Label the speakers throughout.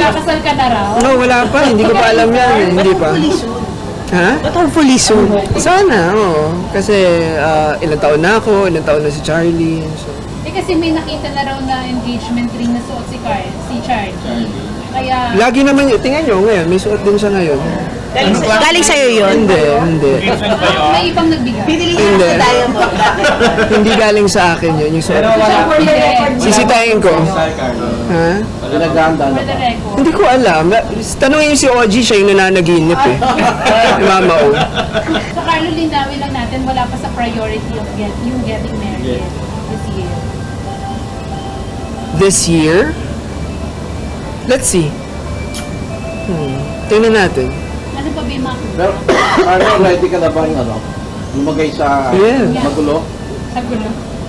Speaker 1: Kasal ka na raw?
Speaker 2: No, wala pa. Hindi ko pa alam yan. Hindi pa. Ha?
Speaker 3: But hopefully soon.
Speaker 2: Sana, oo. Kasi ilang taon na ako, ilang taon na si Charlie. So.
Speaker 1: Kasi may nakita na raw na engagement ring na suot si Charlie. Kaya...
Speaker 2: Lagi naman yun. Tingnan nyo ngayon, may suot din siya ngayon.
Speaker 3: Galing sa'yo yun?
Speaker 2: Hindi.
Speaker 1: May ibang nagbigay.
Speaker 3: Pinili
Speaker 2: Hindi.
Speaker 3: niya sa Diamond.
Speaker 2: Hindi galing sa akin yun, yung suot. Sisitayin ko. Ha?
Speaker 1: For the record.
Speaker 2: Hindi ko alam. Tanungin niyo si OG, siya yung nananaginip eh. Yung Mama O.
Speaker 1: So Carlo, linawin lang natin, wala pa sa priority of yung getting married this year.
Speaker 2: This year? Let's see. Tingnan natin.
Speaker 1: Ano pa ba yung mga
Speaker 4: Pero, ready ka na bang lumagay sa
Speaker 2: Yeah.
Speaker 4: magulo?
Speaker 1: sa gulo?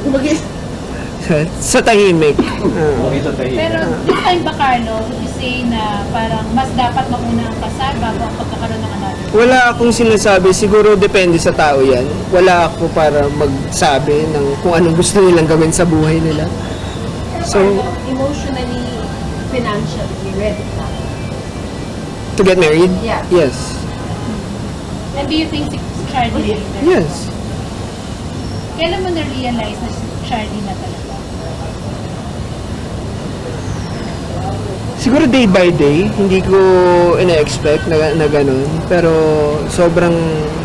Speaker 2: Sa tahimik.
Speaker 4: Lumagay sa tahi.
Speaker 1: Pero this time ba, Carlo, would you say na parang mas dapat mauna ang kasal bago ang pagkakaroon ng anak?
Speaker 2: Wala akong sinasabi. Siguro depende sa tao yan. Wala ako para magsabi ng kung anong gusto nilang gawin sa buhay nila. So,
Speaker 5: Emotionally, financially ready ka.
Speaker 2: to get married?
Speaker 5: Yeah.
Speaker 2: Yes.
Speaker 1: And do you think si Charlie later?
Speaker 2: Yes.
Speaker 1: Kailan mo na-realize na si Charlie na talaga?
Speaker 2: Siguro day by day, hindi ko ina-expect na ganun. Pero sobrang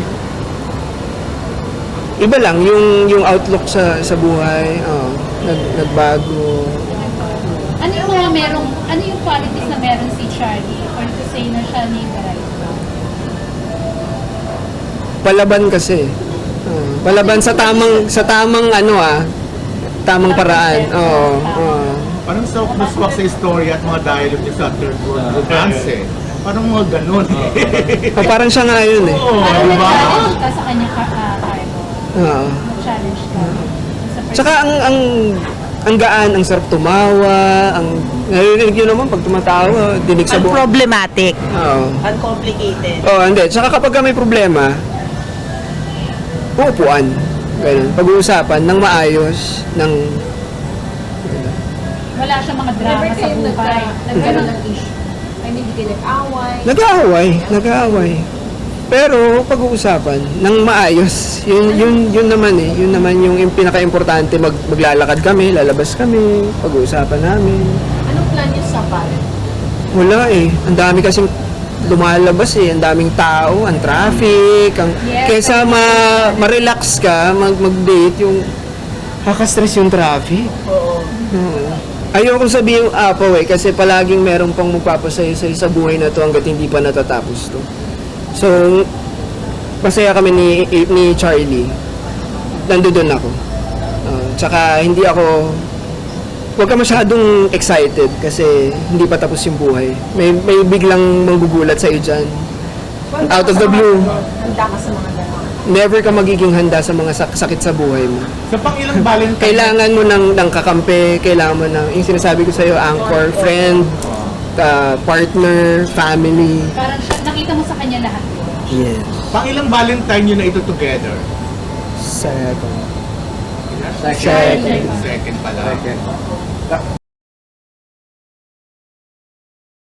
Speaker 2: iba lang yung outlook sa buhay. Nagbago.
Speaker 1: Ano yung mga ano yung qualities na meron si Charlie or to say na siya ni Baray?
Speaker 2: Palaban kasi. Palaban sa tamang tamang paraan. Oo.
Speaker 6: Parang sa muswak sa istorya at mga dialogue niya sa third world romance eh. Parang mga ganun eh.
Speaker 2: Parang siya nga yun eh.
Speaker 6: Oo,
Speaker 1: Parang
Speaker 6: di ba?
Speaker 1: nag-challenge ka sa kanya, Carlo.
Speaker 2: Oo.
Speaker 1: Nag-challenge ka.
Speaker 2: Tsaka ang gaan, ang sarap tumawa, narinig nyo naman pag tumatawa, dinig sa buong.
Speaker 3: Unproblematic.
Speaker 2: Oo.
Speaker 3: Uncomplicated.
Speaker 2: Hindi. Tsaka kapag may problema, uupuan. Ganun. Pag-uusapan ng maayos,
Speaker 1: Wala siyang mga drama
Speaker 5: Never
Speaker 1: sa
Speaker 5: kayo
Speaker 1: buhay.
Speaker 5: nagkaroon ng issue. I mean, hindi kayo nag-away.
Speaker 2: nag-aaway. Pero pag-uusapan ng maayos, yun naman eh. Yun naman yung pinaka-importante. Maglalakad kami, lalabas kami, pag-uusapan namin.
Speaker 5: Anong plan niyo sa pare?
Speaker 2: Wala eh. Ang dami kasing lumalabas eh. Ang daming tao, ang traffic.
Speaker 1: Yes.
Speaker 2: Kaysa ma-relax ka, mag-date, yung kaka-stress yung traffic.
Speaker 3: Oo.
Speaker 2: Ayoko sabihin yung apaw eh, kasi palaging merong pang magpapasaya sa buhay na to hanggat hindi pa natatapos to. So, masaya kami ni Charlie. Nandoon ako. Tsaka hindi ako, huwag ka masyadong excited kasi hindi pa tapos yung buhay. May biglang manggugulat sa'yo dyan. Out of the blue.
Speaker 5: Handa ka sa mga gano'n.
Speaker 2: Never ka magiging handa sa mga sakit sa buhay mo.
Speaker 6: Sa pang-ilang Valentine.
Speaker 2: Kailangan mo ng kakampi, kailangan mo ng, yung sinasabi ko sa'yo, anchor, friend, partner, family.
Speaker 1: Parang siya, nakita mo sa kanya lahat.
Speaker 2: Yes.
Speaker 6: Pang-ilang Valentine nyo na ito together?
Speaker 2: Second.
Speaker 4: Second.
Speaker 6: Second pala.
Speaker 4: Second.